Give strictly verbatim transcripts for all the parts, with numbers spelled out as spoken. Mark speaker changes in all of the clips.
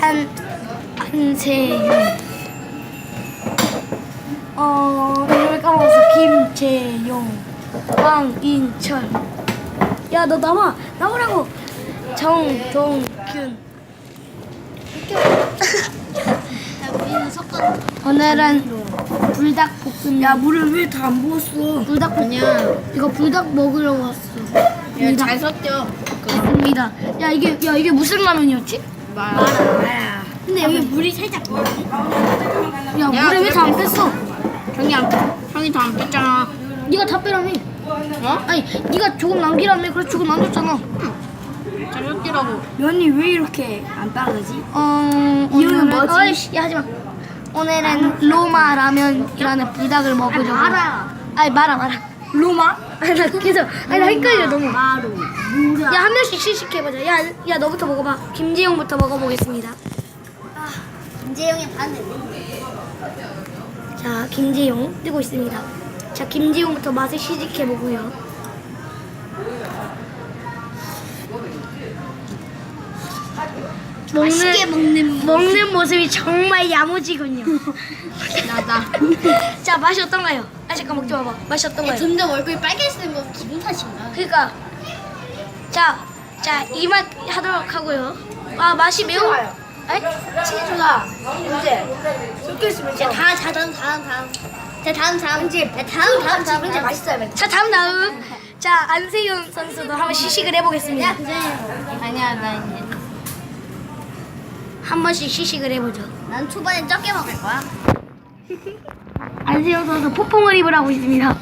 Speaker 1: 안 안세윤. 어 이름을 까먹었어. 김재용, 황인철. 야 너 나와 나오라고. 정동균.
Speaker 2: 우리는 섞어.
Speaker 1: 오늘은 불닭볶음.
Speaker 3: 야 물을 왜 다 안 부었어?
Speaker 1: 불닭볶음. 이거 불닭 먹으러 왔어.
Speaker 2: 야잘 섞여.
Speaker 1: 맞습니다. 야 이게 야 이게 무슨 라면이었지?
Speaker 2: 마라.
Speaker 1: 근데 여기 물이 살짝. 야
Speaker 2: 내가
Speaker 1: 물에 왜 다 안
Speaker 2: 그랬어.
Speaker 1: 뺐어?
Speaker 2: 형이 안, 형이 다 안 뺐잖아.
Speaker 1: 네가 다 빼라며.
Speaker 2: 어?
Speaker 1: 아니 네가 조금 남기라며. 그래서 조금 남겼잖아.
Speaker 2: 잘 섞이라고.
Speaker 3: 면이 왜 이렇게 안 빠르지?
Speaker 1: 어
Speaker 3: 이유는
Speaker 1: 오늘은-
Speaker 3: 뭐지?
Speaker 1: 어이씨 야 하지마. 오늘은 로마 라면이라는 불닭을 먹으려고.
Speaker 2: 마라.
Speaker 1: 아니 마라 마라.
Speaker 3: 로마?
Speaker 1: 아니 나 계속 아니 나 헷갈려 너무.
Speaker 2: 마루.
Speaker 3: 뭐야?
Speaker 1: 야 한 명씩 시식해보자. 야, 야 너부터 먹어봐. 김재용부터 먹어보겠습니다.
Speaker 2: 김재영이 반대.
Speaker 1: 자 김재용 뜨고 있습니다. 자 김재용부터 맛을 시식해보고요.
Speaker 2: 맛있게 먹는
Speaker 1: 먹는 모습이 정말 야무지군요.
Speaker 2: 나다.
Speaker 1: 자 맛이 어떤가요? 아 잠깐 먹지 마봐. 맛이 어떤가요?
Speaker 2: 점점 얼굴이 빨개지는 건 기분 탓인가?
Speaker 1: 그러니까 자, 자 이 맛 하도록 하고요. 아 맛이 매우. 아니?
Speaker 3: 치즈가 이제 섞여 있으면
Speaker 2: 자 다음 다음 다음 다음. 자 다음 다음. 이제 다음 다음 다음.
Speaker 3: 이제 맛있어야 돼.
Speaker 1: 자 다음 다음. 자 안세윤 선수도 한번 시식을 해보겠습니다.
Speaker 2: 아니야 나 이제.
Speaker 1: 한 번씩 시식을 해보죠.
Speaker 2: 난 초반에 적게 먹을 거야.
Speaker 1: 안세윤 선수 포뽕을 입으라고 있습니다.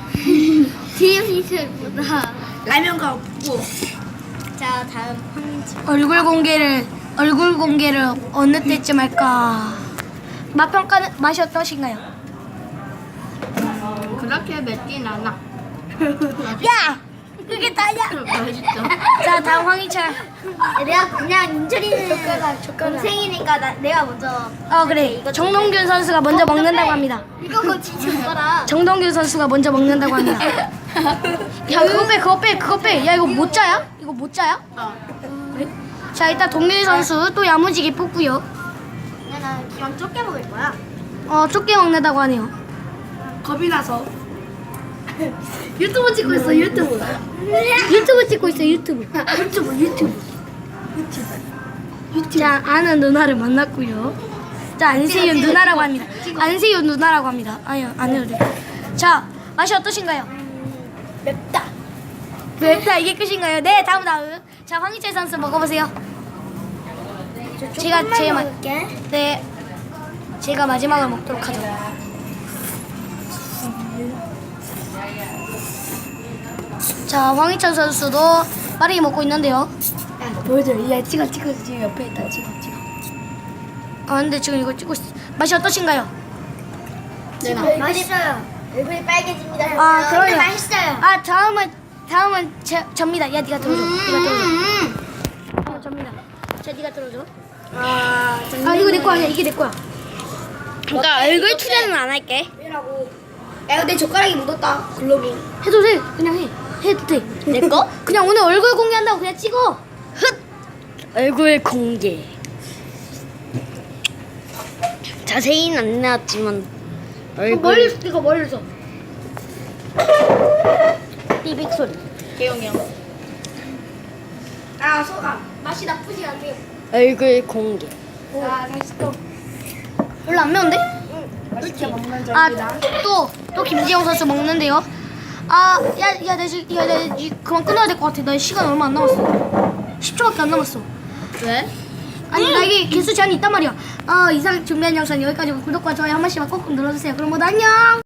Speaker 2: 티셔츠보다.
Speaker 3: 라면과 없고
Speaker 2: 자 다음 황인철.
Speaker 1: 얼굴 공개를 얼굴 공개를 어느 때쯤 할까? 맛 평가는 맛이 어떠신가요?
Speaker 2: 그렇게 맵진 않아.
Speaker 1: 야, 그게 다야.
Speaker 2: 맛있어.
Speaker 1: 자 다음 황희철.
Speaker 2: 내가 그냥 인철이는
Speaker 1: 젓가락, 젓가락.
Speaker 2: 동생이니까 나, 내가 먼저.
Speaker 1: 어 그래. 정동균 선수가 먼저 먹는다고 합니다.
Speaker 2: 이거 그거 진짜 젓가락.
Speaker 1: 정동균 선수가 먼저 먹는다고 합니다. 야 그거 빼 그거 빼 그거 빼. 야 이거 모짜야? 이거 모짜야?
Speaker 2: 어.
Speaker 1: 그래? 자 일단 동균 선수 또 야무지게 뽑고요.
Speaker 2: 나는 기왕 적게 먹을 거야.
Speaker 1: 어 좁게 먹는다고 하네요.
Speaker 3: 겁이 나서 유튜브 찍고 있어 유튜브
Speaker 1: 유튜브 찍고 있어 유튜브.
Speaker 3: 유튜브 유튜브
Speaker 1: 자 아는 누나를 만났고요. 자 안세윤 누나라고 합니다. 안세윤 누나라고 합니다. 아니요 안 해도 돼. 자 맛이 어떠신가요?
Speaker 2: 맵다.
Speaker 1: 맵다 이게 끝인가요? 네 다음 다음. 자 황희철 선수 먹어보세요. 제가 제일 마,
Speaker 2: 먹을게.
Speaker 1: 네 제가 마지막을 먹도록 하죠. 자 황희철 선수도 빠르게 먹고 있는데요.
Speaker 3: 야 보여줘. 야 찍어 찍어 지금 옆에 있다 찍어 찍어.
Speaker 1: 아 근데 지금 이거 찍고 있어. 맛이 어떠신가요?
Speaker 2: 네, 맛있어요. 얼굴이 빨개집니다.
Speaker 1: 아
Speaker 2: 근데
Speaker 1: 그러요.
Speaker 2: 맛있어요.
Speaker 1: 아 다음은 다음은 제, 접니다. 야 네가 들어줘. 네가 들어줘.
Speaker 2: 음.
Speaker 1: 어 접니다. 자 네가 들어줘.
Speaker 3: 아
Speaker 1: 아 이거 내 거 아니야. 이게 내 거야.
Speaker 2: 그러니까 얼굴 투자는 안 할게.
Speaker 3: 왜라고? 야 근데 젓가락이 묻었다. 글로브.
Speaker 1: 해도 돼. 그냥 해. 해도 돼.
Speaker 2: 내 거?
Speaker 1: 그냥 오늘 얼굴 공개한다고 그냥 찍어.
Speaker 2: 흑. 얼굴 공개. 자세히는 안 나왔지만 얼굴.
Speaker 1: 멀리서 찍어 멀리서. 삐빅 소리.
Speaker 2: 개용이 형.
Speaker 3: 아 소감.
Speaker 1: 맛이 나쁘지 않네요.
Speaker 2: 얼굴 공개.
Speaker 3: 자 다시 또.
Speaker 1: 별로 안 매운데?
Speaker 3: 맛있게 먹는 점이다.
Speaker 1: 아또 또 김지영 선수 먹는데요. 아야야나 지금 야, 나 지금 그만 끊어야 될 것 같아. 나 시간 얼마 안 남았어. 십 초밖에 안 남았어.
Speaker 2: 왜?
Speaker 1: 아니 나 이게 개수 제한이 있단 말이야. 어 이상 준비한 영상 여기까지고 구독과 좋아요 한 번씩만 꼭꼭 눌러주세요. 그럼 모두 안녕.